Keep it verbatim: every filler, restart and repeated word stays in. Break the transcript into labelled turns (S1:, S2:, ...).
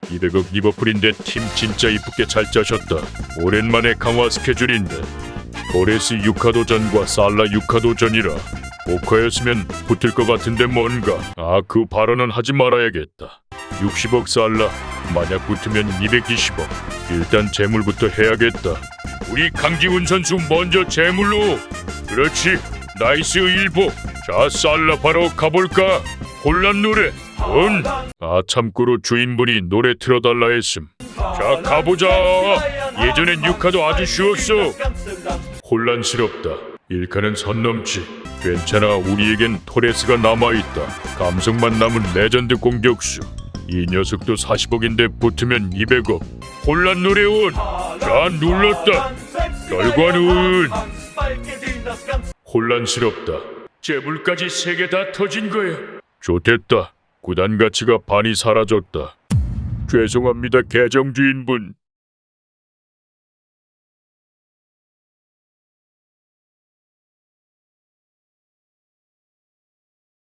S1: 이백억 리버풀인데 팀 진짜 이쁘게 잘 짜셨다. 오랜만에 강화 스케줄인데 토레스 육하도전과 살라 육하도전이라 오커였으면 붙을 것 같은데 뭔가. 아, 그 발언은 하지 말아야겠다. 육십억 살라, 만약 붙으면 이백이십억. 일단 재물부터 해야겠다. 우리 강지훈 선수 먼저 재물로. 그렇지, 나이스 일보. 자, 살라 바로 가볼까. 혼란 노래. 응. 아, 참고로 주인분이 노래 틀어달라 했음. 자, 가보자. 예전엔 육하도 아주 쉬웠어. 혼란스럽다. 일카는 선 넘지. 괜찮아, 우리에겐 토레스가 남아있다. 감성만 남은 레전드 공격수. 이 녀석도 사십억인데 붙으면 이백억. 혼란 노래 온. 자, 눌렀다. 결과는 혼란스럽다. 재물까지 세 개 다 터진 거야. 좋댔다. 구단 가치가 반이 사라졌다. 죄송합니다, 계정 주인분.